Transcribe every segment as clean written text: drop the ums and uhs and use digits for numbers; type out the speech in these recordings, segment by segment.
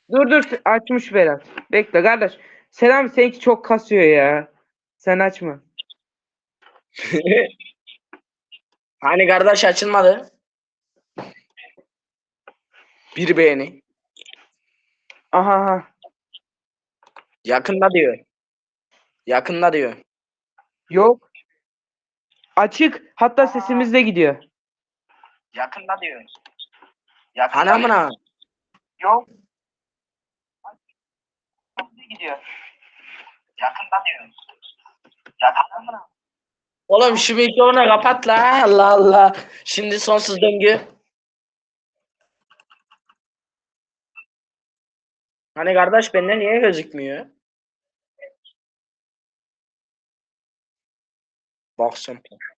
Dur açmış Berat. Bekle kardeş. Selam seninki çok kasıyor ya. Sen açma. Hani kardeş açılmadı. Bir beğeni. Aha. Yakında diyor. Yakında diyor. Yok. Açık. Hatta sesimiz de gidiyor. Yakında diyor. Yakında hani amına. Yok. Gidiyor. Yakında diyor. Yakında mı? Oğlum şu mikrofonu kapat la. Allah Allah. Şimdi sonsuz döngü. Hani kardeş bende niye gözükmüyor? Baksın.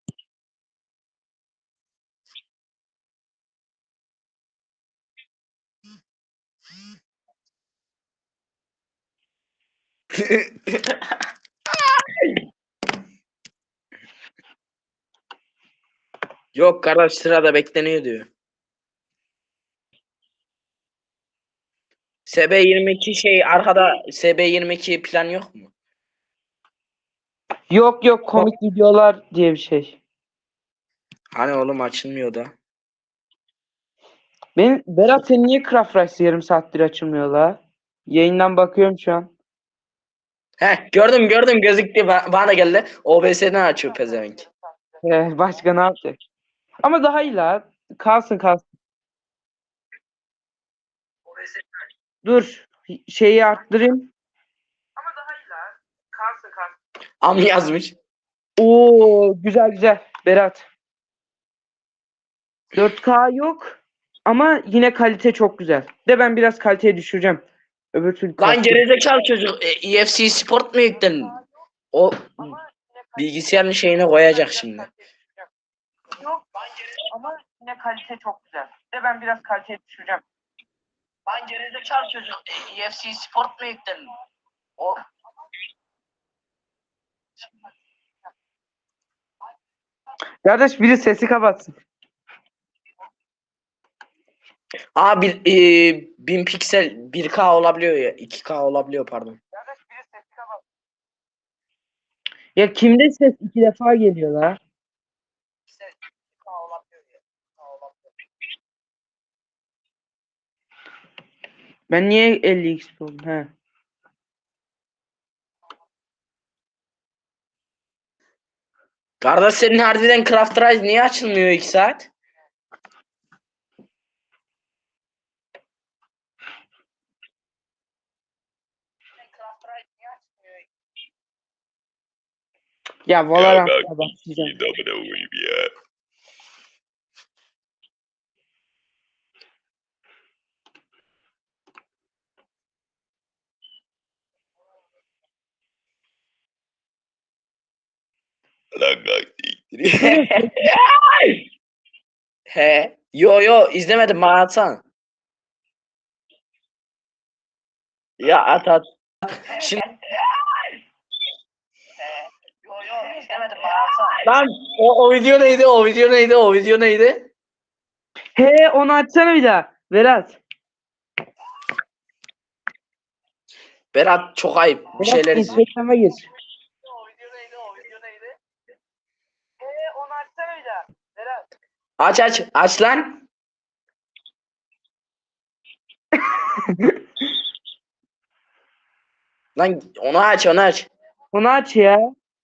Yok kardeş sırada bekleniyor diyor. SB22 şey arkada SB22 plan yok mu? Yok komik videolar diye bir şey. Hani oğlum açılmıyor da. Berat senin niye Craft Rice yarım saattir açılmıyor la? Yayından bakıyorum şu an. Heh gördüm gözüktü bana da geldi. OBS'den açıyor pezevenk. Başka ne yapacak? Ama daha iyi la. Kalsın. Dur. Şeyi arttırayım. Ama daha iyi la. Kalsın. Am yazmış. Oo güzel. Berat. 4K yok. Ama yine kalite çok güzel. De ben biraz kaliteyi düşüreceğim. Öbür türlü Lan kasıyor. gerizekalı çocuk EFC Sport mu yükledin? O bilgisayarın şeyine koyacak şimdi. Yok ama yine kalite çok güzel. De ben biraz kaliteyi düşüreceğim. Lan gerizekalı çocuk EFC Sport mu yükledin? O Kardeş biri sesi kapatsın. Abi 1000 piksel 1K olabiliyor ya 2K olabiliyor pardon. Ya kimde ses 2 defa geliyor la? Ben niye 50x oldum he? Kardeş senin harbiden Craft Rise niye açılmıyor 2 saat? Ya Valorant'a başlayacağım. He. Yo izlemedim bana atsana. Ya at. Şimdi izlemedim bana atsana. Lan o video neydi? O video neydi? He onu açsana bir daha. Berat. Berat çok ayıp. Bir Berat şeyler izliyor. Instagram'a gir. O video neydi? He onu açsana bir daha. Berat. Aç lan. Lan onu aç. Onu aç ya.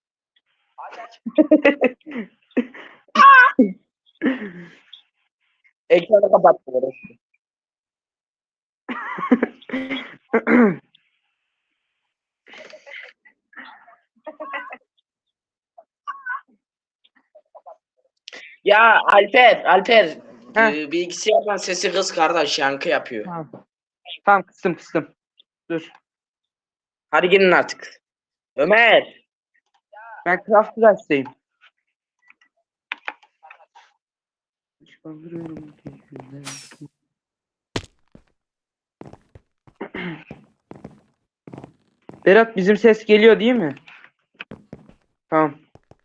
Ekranı kapat. Ya Alper bilgisayardan sesi kız kardeş yankı yapıyor. Tamam kıstım. Dur. Hadi gelin artık. Ömer. Ben Craft Rice'deyim. Berat bizim ses geliyor değil mi? Tamam.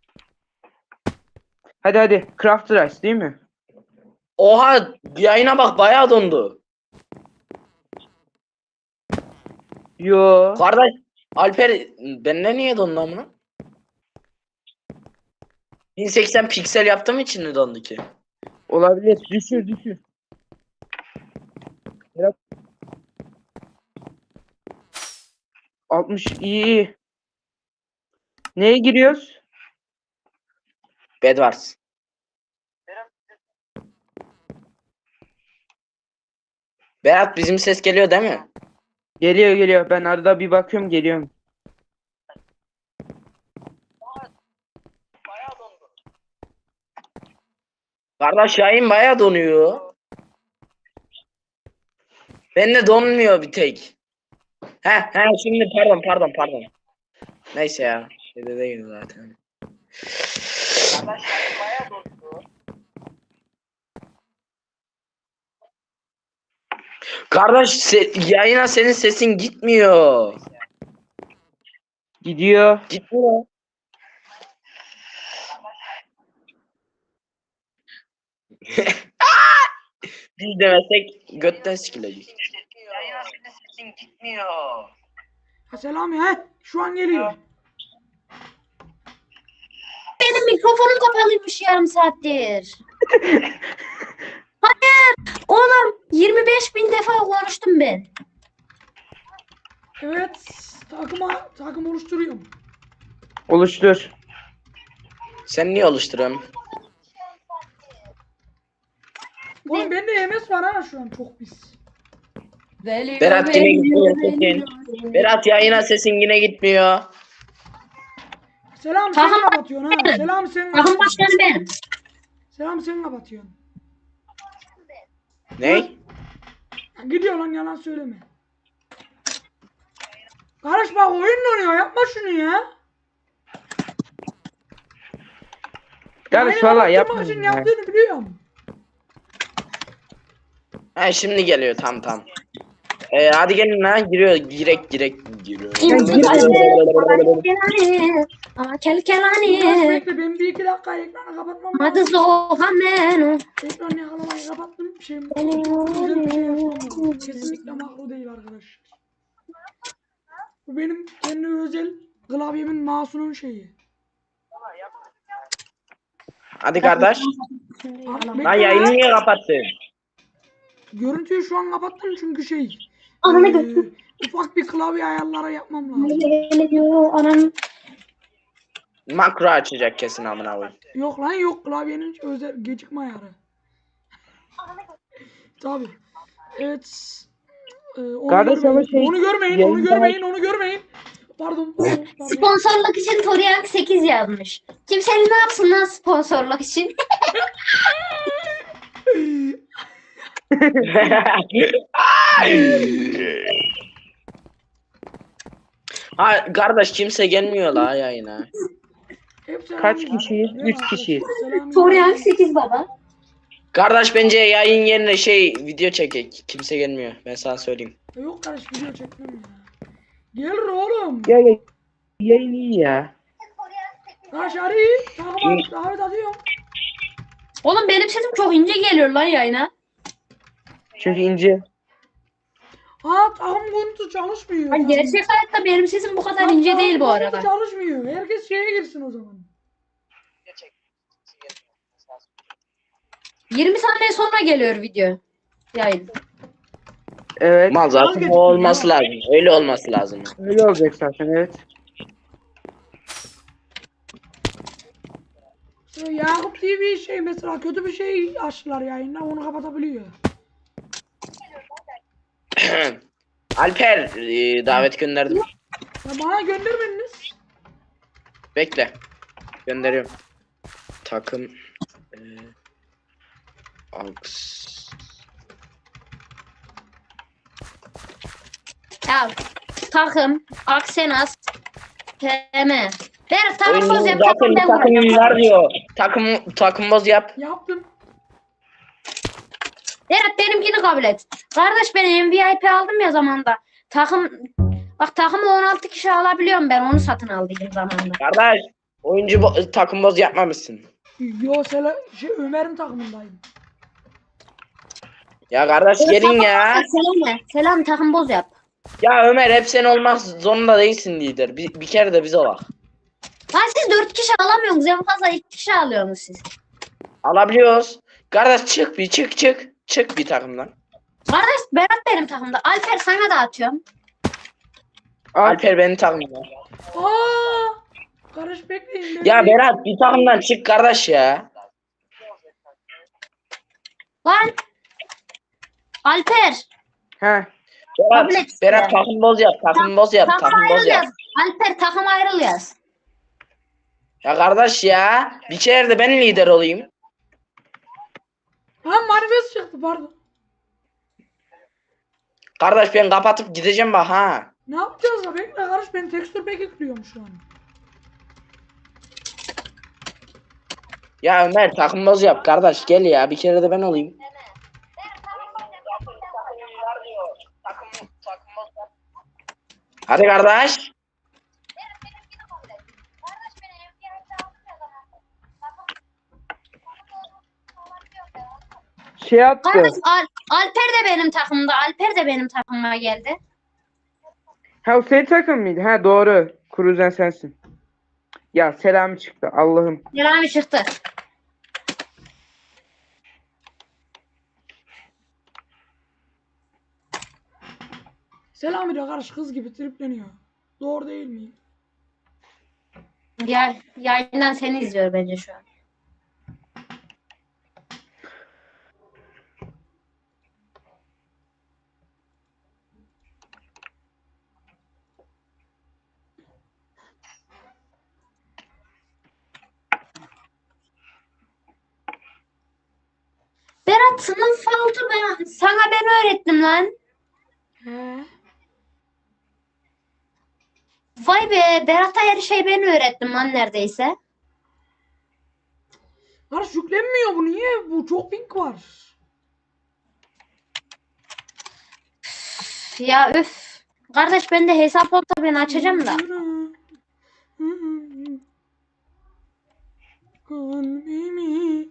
Hadi Craft Rice değil mi? Oha yayına bak bayağı dondu. Yo. Kardeş Alper benimle niye dondu amına? 1080 piksel yaptığım için mi dondu ki? Olabilir. Düşür. Berat. 60 iyi. Neye giriyoruz? Bedwars. Berat bizim ses geliyor değil mi? Geliyor. Ben arada bir bakıyorum geliyorum. Kardeş yayın bayağı donuyor. Bende donmuyor bir tek. He şimdi pardon. Neyse ya. Şeyde değil zaten. Kardeş yayın bayağı donuyor. Kardeş yayına senin sesin gitmiyor. Gidiyor. Gitmiyor. Biz demesek götten sikilecek. Yayına senin sesin gitmiyor. Ha Selami he. Şu an geliyor. Benim mikrofonum kapalıymış yarım saattir. Hayır. Oğlum 25.000 defa konuştum ben. Evet. Takım oluşturuyorum. Oluştur. Sen niye oluşturuyorsun? Oğlum bende MS var ha şu an çok pis. Berat yine gitmiyor sesin. Berat yayına sesin yine gitmiyor. Selam sen Takım kapatıyorsun ha. Selam sen Takım kapatıyorsun. başkanı benim. Selam sen kapatıyorsun. Ne? Ya gidiyor lan yalan söyleme. Kardeş bak oyun donuyor yapma şunu ya. Kardeş Yayını valla kapatmak için yapma. yaptığını biliyorum. Ha şimdi geliyor tam. Hadi gelin lan giriyor giriyor. Kelkelani. Biraz bekle ben bir iki dakika ekranı kapatmam Hadi lazım. zohamenu. Ekranı yakalamayı kapattım. Bir şey özel bir şey yapmam lazım. Kesinlikle makro değil arkadaşlar. Bu benim kendi özel klavyemin mouse'unun şeyi. Hadi kardeş. Bekle Lan yayını lan. niye kapattın? Görüntüyü şu an kapattım çünkü Ananı götür. ufak bir klavye ayarları yapmam lazım. Geliyor anam. Makro açacak kesin amına koyayım. Yok lan yok klavyenin özel gecikme ayarı. Tabi. Evet. Onu Kardeş ama görmeyin. Onu görmeyin. Onu görmeyin. Pardon. Sponsorluk için Toriyak 8 yazmış. Kimsenin ne yapsın lan sponsorluk için? Ha kardeş kimse gelmiyor la yayına. Kaç kişiyiz? 3 kişiyiz. Toriyak 8 baba. Kardeş bence yayın yerine video çekek. Kimse gelmiyor. Ben sana söyleyeyim. Yok kardeş video çekmem ya. Gelir oğlum. Ya yayın iyi ya. Kardeş arı. Tamam davet atıyorum. Oğlum benim sesim çok ince geliyor lan yayına. Çünkü ince. Ha tamam görüntü çalışmıyor. Ay, gerçek hayatta benim sesim bu kadar ince değil bu arada. Çalışmıyor. Herkes şeye girsin o zaman. 20 saniye sonra geliyor video. Yayın. Evet. Mal zaten Vazgeçtim o olması ya. lazım. Öyle olması lazım. Öyle olacak zaten evet. Mesela Yakup TV mesela kötü bir şey açtılar yayında onu kapatabiliyor. Alper davet gönderdim. Ya bana göndermediniz. Bekle. Gönderiyorum. Takım Aks. Ya takım, Aksenas, PM. Ver takım Oyunun boz yap zaten takım bir ben takımım vuracağım. var diyor. Takım boz yap. Yaptım. Berat benimkini kabul et. Kardeş ben MVP aldım ya zamanda. Takımı 16 kişi alabiliyorum ben onu satın aldığım zamanda. Kardeş takım boz yapmamışsın. Yo Ömer'in takımındayım. Ya kardeş gelin ya. Selam takım boz yap. Ya Ömer hep sen olmak zorunda değilsin lider. Bir kere de biz olak. Lan siz 4 kişi alamıyorsunuz. En fazla 2 kişi alıyorsunuz siz. Alabiliyoruz. Kardeş çık bir çık. Çık bir takımdan. Kardeş Berat benim takımda. Alper sana da atıyorum. Alper benim takımdan. Aa! Kardeş bekleyin. Ya Berat bir takımdan çık kardeş ya. Lan. Alper. He. Berat, Kabul et Berat ya. takım boz yap. Takım boz yap. Takım Takım boz ayrıl yap. yaz. Alper takım ayrıl yaz. Ya kardeş ya. Bir kere de ben lider olayım. Ha manifest çıktı pardon. Kardeş ben kapatıp gideceğim bak ha. Ne yapacağız ya? Bekle kardeş ben tekstür pack ekliyorum şu an. Ya Ömer takım boz yap kardeş gel ya. Bir kere de ben olayım. Hadi kardeş. Şey yaptı. Kardeş Alper de benim takımda. Alper de benim takımıma geldi. Ha o senin takım mıydı? Ha doğru. Kuruzen sensin. Ya Selami çıktı. Allah'ım. Selami çıktı. Selami de kardeş kız gibi tripleniyor. Doğru değil miyim? Ya, yayından seni izliyor bence şu an. Berat sınıf altı ben öğrettim lan. He. Vay be Berat'a her şeyi ben öğrettim lan neredeyse. Kardeş yüklenmiyor bu niye? Bu çok ping var. Ya üf. Kardeş bende hesap olsa ben açacağım da. Kalbimi.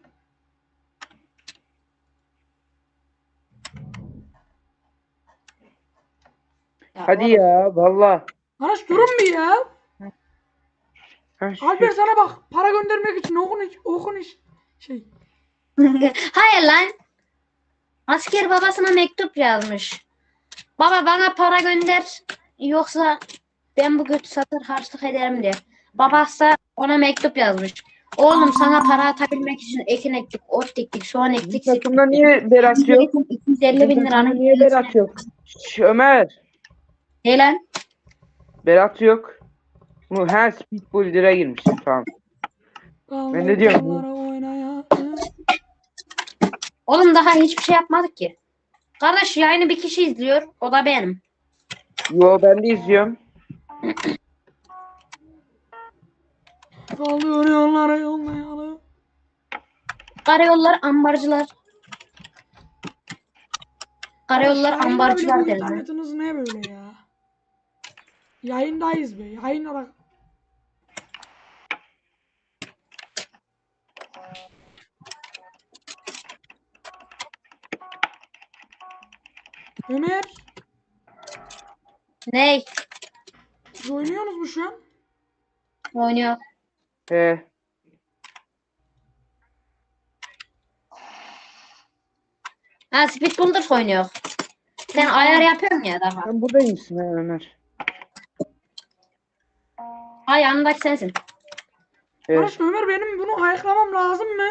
Hadi ya valla. Kardeş durun bir ya. Ha, Alper sana bak para göndermek için okun iş şey. Hayır lan. Asker babasına mektup yazmış. Baba bana para gönder. Yoksa ben bu götü satır harçlık ederim diye. Babası da ona mektup yazmış. Oğlum sana para atabilmek için ekin ektik, ot diktik, soğan ektik. takımda niye Berat yok? 250 bin liranın. Niye Berat yok? Ömer. Ne lan? Berat yok. Bu her Speedball 1'e girmiş. Tamam. Ben ne diyorum? Kaldıkları oynaya. Oğlum daha hiçbir şey yapmadık ki. Kardeş yayını bir kişi izliyor. O da benim. Yo ben de izliyorum. Kalıyor yollara yollayalı. Karayollar ambarcılar. Karayollar Yayında ambarcılar bile bu derler. internetiniz ne böyle ya? Yayındayız be. Yayın olarak. Ömer, Ney? siz oynuyorsunuz mu şu an? Oynuyor. He. Ha Speed Builders oynuyor. Sen ayar yapıyorsun ya daha. Sen buradaymışsın ha Ömer. Ha yanındaki sensin. Evet. Kardeş Ömer benim bunu ayıklamam lazım mı?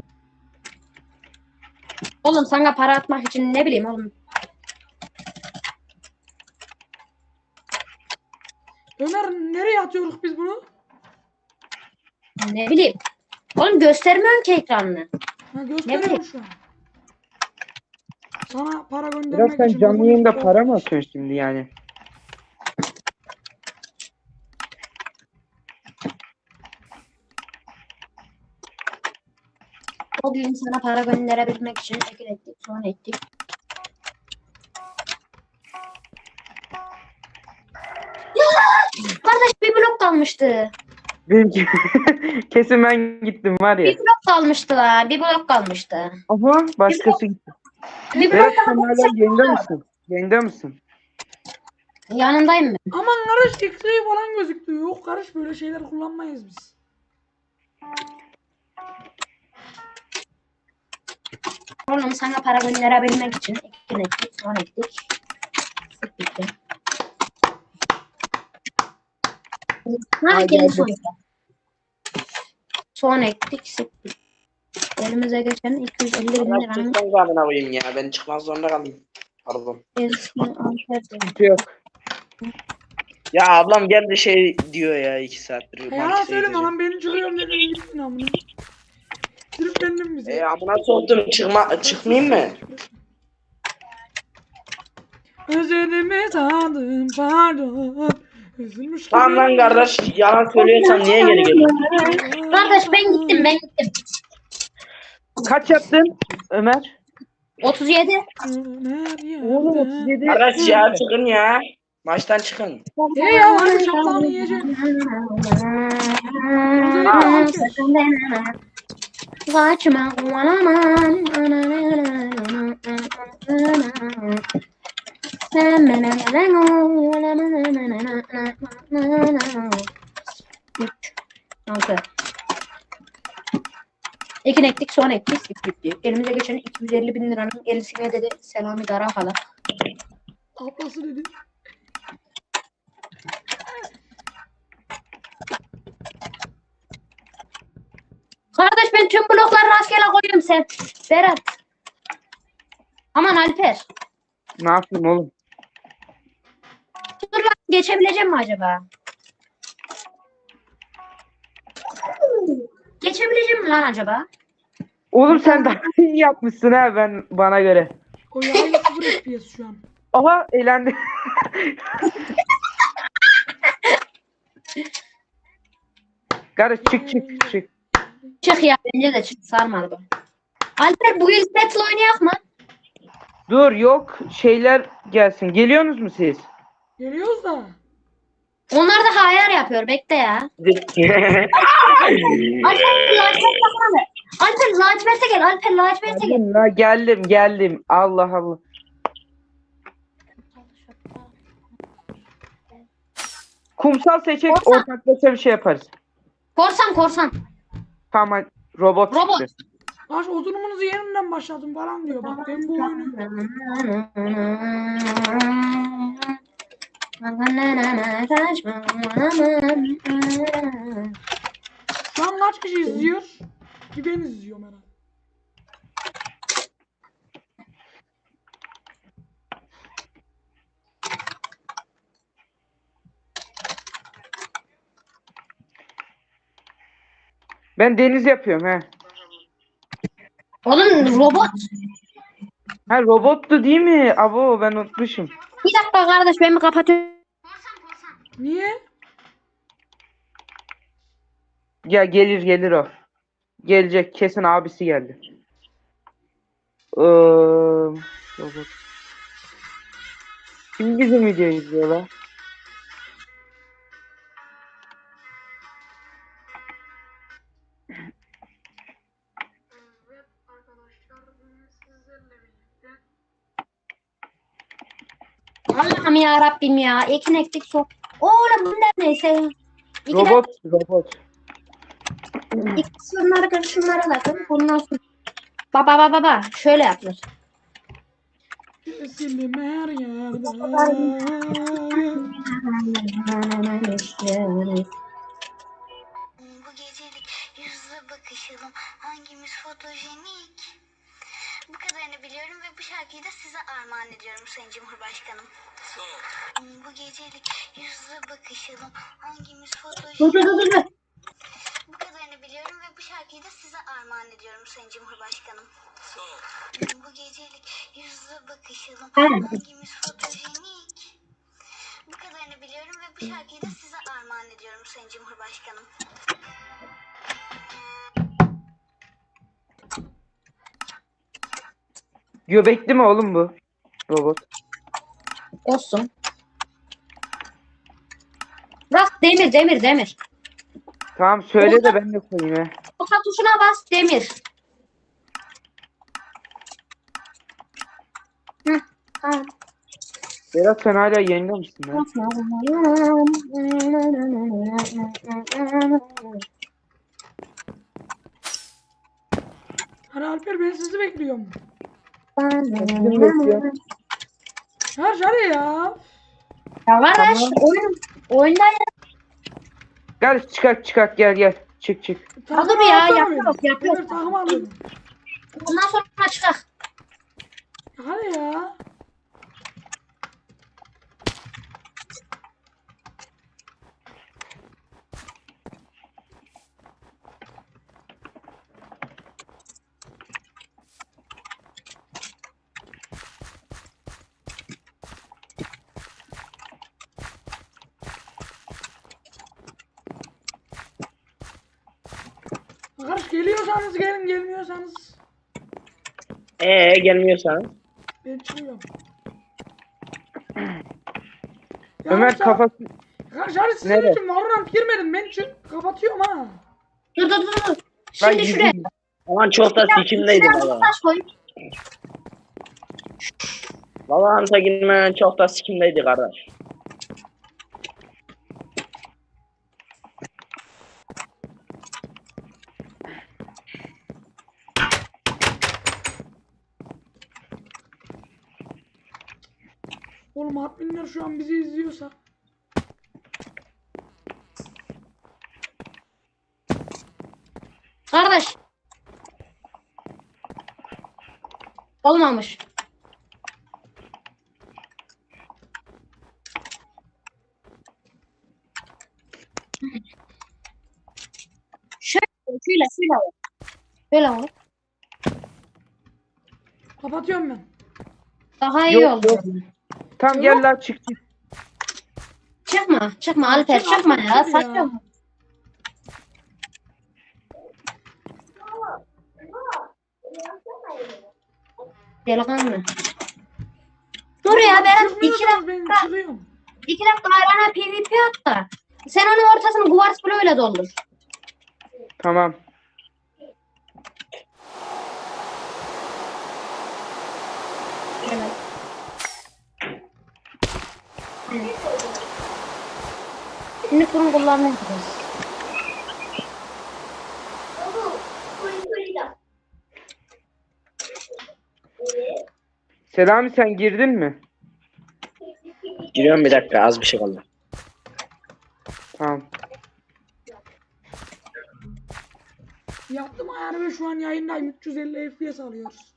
Oğlum sana para atmak için ne bileyim oğlum. Ömer nereye atıyoruz biz bunu? Ne bileyim. Oğlum göstermiyorsun ki ekranını. Ha gösteriyorum bileyim. şu an. Sana para Biraz göndermek sen için. canlı yayında para mı atıyorsun şimdi yani? O gün sana para gönderebilmek için ekil ettik, sonra ettik. Ya! Kardeş bir blok kalmıştı. Benimki kesin ben gittim var ya. Bir blok kalmıştı la. Bir blok kalmıştı. Aha başkası gitti. Bir blok Berat sen kalmıştı. hala yayında mısın? Yayında mısın? Yanındayım ben. Aman karış X-ray falan gözüktü. Yok karış böyle şeyler kullanmayız biz. Oğlum sana para gönderebilmek için ektik, son ektik. Bitti. Ha Ay, geldi geldi. sonuçta. Son ektik, sıktık. Elimize geçen 250 bin Allah liranın çıksan zamana koyayım ya. Ben çıkmaz zorunda kaldım. Pardon. eski amper Yok. Ya ablam geldi şey diyor ya 2 saattir. Yalan Mantık söyleme edeceğim. lan ben çıkıyorum dedin gittin amına. Triplendim bize. Amına soktum çıkmayayım mı? Özledimi sandım pardon. Üzülmüş gibi. Tamam lan kardeş yalan söylüyorsan niye geri geliyorsun? Kardeş ben gittim. Kaç yaptın Ömer? 37. Oğlum 37. Kardeş ya çıkın ya. Maçtan çıkın. Ya hadi şaplanı yiyeceğim. Kaçma aman. Altı. İki ektik, son ektik, bitti. Elimize geçen 250 bin liranın gerisine dedi Selami Darakalı. Ablası dedi. Kardeş ben tüm blokları rastgele koyuyorum sen. Berat. Aman Alper. Ne yapayım oğlum? Dur lan geçebileceğim mi acaba? Geçebileceğim mi lan acaba? Oğlum sen daha iyi yapmışsın ha bana göre. O yayla 0 FPS şu an. Aha eğlendi. Kardeş çık. Çık ya bence de çık sarmadı bu. Alper bu yıl battle oynayak mı? Dur yok şeyler gelsin. Geliyorsunuz mu siz? Geliyoruz da. Onlar da hayal yapıyor bekle ya. Alper lacivert'e gel. Alper lacivert'e gel. Geldim la geldim. Allah Allah. Kumsal seçek Korsan. ortaklaşa bir şey yaparız. Korsan. Tamam hadi. Robot Robot. çıktı. Baş oturumunuzu yeniden başladım falan diyor. Bak ben bu oyunu. Şu an kaç kişi izliyor? Bir ben izliyorum herhalde. Ben deniz yapıyorum he. Oğlum robot. Ha robottu değil mi? Abo ben unutmuşum. Bir dakika kardeş ben mi kapatıyorum? Niye? Ya gelir o. Gelecek kesin abisi geldi. Robot. Kim bizim videoyu izliyor lan? Allah'ım ya Rabbim ya. Ekin ektik sok. Oğlum bunlar neyse. İki Robot. dakika şunları bakın. Bundan sonra. Baba. Şöyle yapılır. Kesildim her yerde. Bu gecelik yüzle bakışalım. Hangimiz fotojenik? Bu kadarını biliyorum ve bu şarkıyı da size armağan ediyorum Sayın Cumhurbaşkanım. Bu gecelik yüzle bakışalım. Hangimiz fotojenik? Dur. Bu kadarını biliyorum ve bu şarkıyı da size armağan ediyorum Sayın Cumhurbaşkanım. Bu gecelik yüzle bakışalım. Hangimiz fotojenik? Bu kadarını biliyorum ve bu şarkıyı da size armağan ediyorum Sayın Cumhurbaşkanım. Göbekli mi oğlum bu? Robot. Olsun. Bak demir. Tamam söyle de ben de koyayım he. Orta tuşuna bas demir. Hı, tamam. Berat sen hala yayında mısın lan? Hadi Alper ben sizi bekliyorum. Bizim bekliyor. Hadi ya. Ya kardeş oyunda Gel çıkak gel. Çık. Takım dur ya, alsana yapıyoruz, beni. yapıyoruz. Benim takım alıyorum. ondan sonra çıkar. Hadi ya. Arkadaş geliyorsanız gelin, gelmiyorsanız Gelmiyorsan. ben çıkıyorum. Ömer kafası Arkadaş hadi sizin Nereye? için Valorant girmedim, ben kapatıyorum ha. Dur. ben Şimdi şuraya. yüzüm. Aman çok da sikimdeydi valla. Taş koy. Valorant'a girmeden çok da sikimdeydi kardeş. Oğlum adminler şu an bizi izliyorsa. Kardeş. Olmamış. Şöyle olur. Böyle olur. Kapatıyorum ben. Daha iyi Yok, oldu. yok. Tam gel lan çık. Çıkma Alper, çıkma ya. Çık ya. Saçma. Delikanlı. Dur ya Berat, Çıkmıyorsanız ben çıkıyorum. 2 dakika arana PvP at da. Sen onun ortasını kuvars bloğuyla doldur. Tamam. Evet. Şimdi bunu kullanmayacağız. Selami sen girdin mi? Giriyorum bir dakika, az bir şey kaldı. Tamam. Yaptım ayarı ve şu an yayındayım. 350 FPS alıyoruz.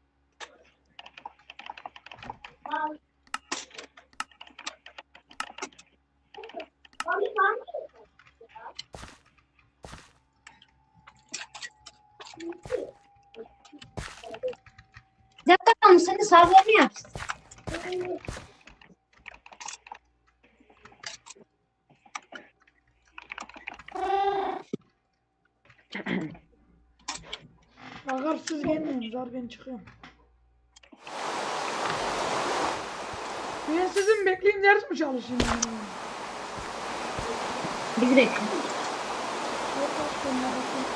Bir dakika, senin sarılarını yapsın. Bakar siz gelmiyorsunuz abi, ben çıkıyorum. Ben sizin bekleyeyim, ders mi çalışayım? Yani? Biz de. Yok, başka ne yapayım?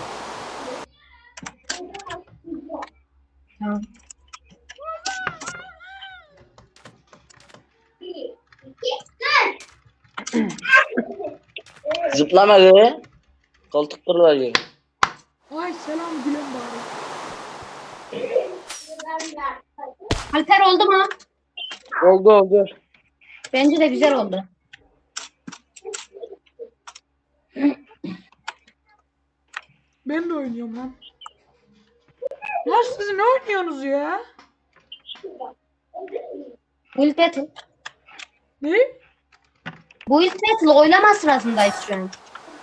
Tamam. Zıplama gı. Koltuk kırılıyor. Ay selam Gülen bari. Alper oldu mu? Oldu. Bence de güzel oldu. Ben de oynuyorum lan. Lan siz ne oynuyorsunuz ya? Build Battle. Ne? Build Battle oylama sırasındayız şu an.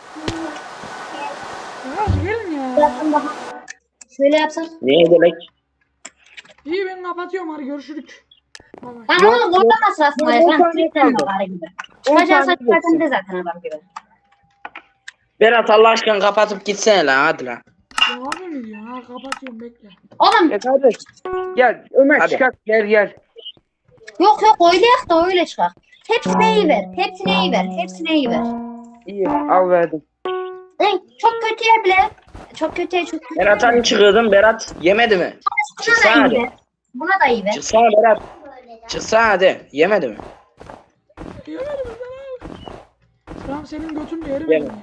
Arkadaş gelin ya. Birazdan daha. Şöyle yapsak. Niye demek? İyi ben kapatıyorum, hadi görüşürük. Bay bay. Lan oğlum oylama sırasındayız. Yok, Lan yok, Twitter yok. bari gibi. 10 Çıkacağı saniye saç zaten de zaten adam gibi. Berat Allah aşkına kapatıp gitsene lan, hadi lan. Ya abi mi diyorsun? Ha kapatıyorum, bekle. Oğlum Kardeş. Gel Ömer Hadi. çıkak gel. yok oylayak da öyle çıkar. Hepsine iyi ver. Hepsine iyi ver. Hepsine iyi ver. İyi al verdim. Çok kötüye bile. Çok kötüye. Berat hani çıkıyordun, Berat yemedi mi? Buna da Çıksana iyi hadi. ver. Buna da iyi ver. Çıksana Berat. Çıksana hadi. Yemedi mi? Yemedim ben abi. Selam senin götün de yerim Yeme. ya.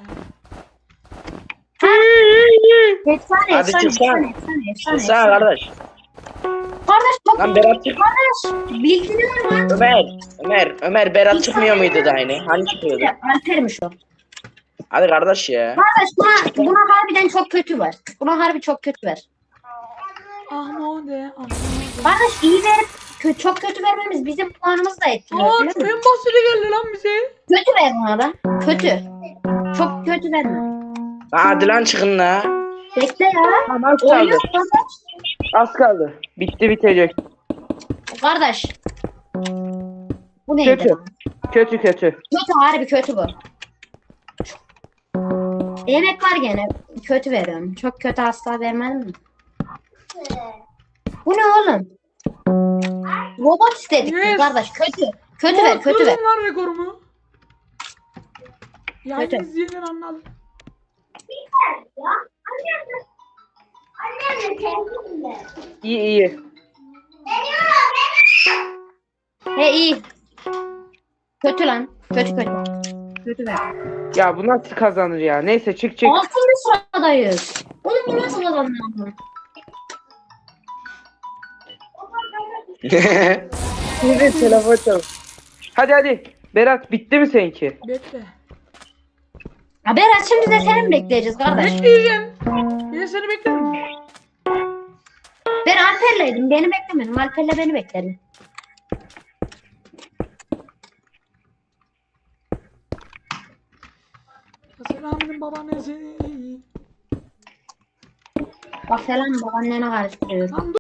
Efsane, Hadi efsane, çıksana. efsane. Çıksana kardeş. Kardeş bak. Lan Berat çık. Kardeş bildiriyorum lan. Ömer Berat çıkmıyor muydu da aynı? Hani çıkıyordu? Alper'miş o. Hadi kardeş ya. Kardeş buna harbiden çok kötü var. Buna harbi çok kötü var. Ahmode. Kardeş iyi verip çok kötü vermemiz bizim puanımızı da etkiliyor. Aa biliyor en musun? basiti geldi lan bize. Kötü ver buna da. Kötü. Çok kötü verme. Lan hadi lan çıkın la. Bekle ya. Tamam, az kaldı. Oynuyor kardeş. Az kaldı. Bitti bitecek. Kardeş. Bu neydi? Kötü. Kötü. Kötü harbi kötü bu. Yemek var gene. Kötü veriyorum. Çok kötü asla vermem mi? Bu ne oğlum? Robot istedik biz Yes. kardeş. Kötü. Kötü ver, kötü ver. Kırdın lan rekorumu. Yani Kötü. izleyenler anladı. İyi. He iyi. Kötü lan. Kötü. Kötü ver. Ya bu nasıl kazanır ya? Neyse çık. 6. sıradayız. Oğlum bu nasıl kazanıyor? Şimdi telefon çal. Hadi. Berat bitti mi seninki? Bekle. Ya Berat şimdi de seni mi bekleyeceğiz kardeş? Bekleyeceğim. Ben seni beklerim. Ben Alper'leydim. Beni beklemedim. Alper'le beni bekledim. Selamın babaannesi. Bak falan babaannene karıştırıyor. Lan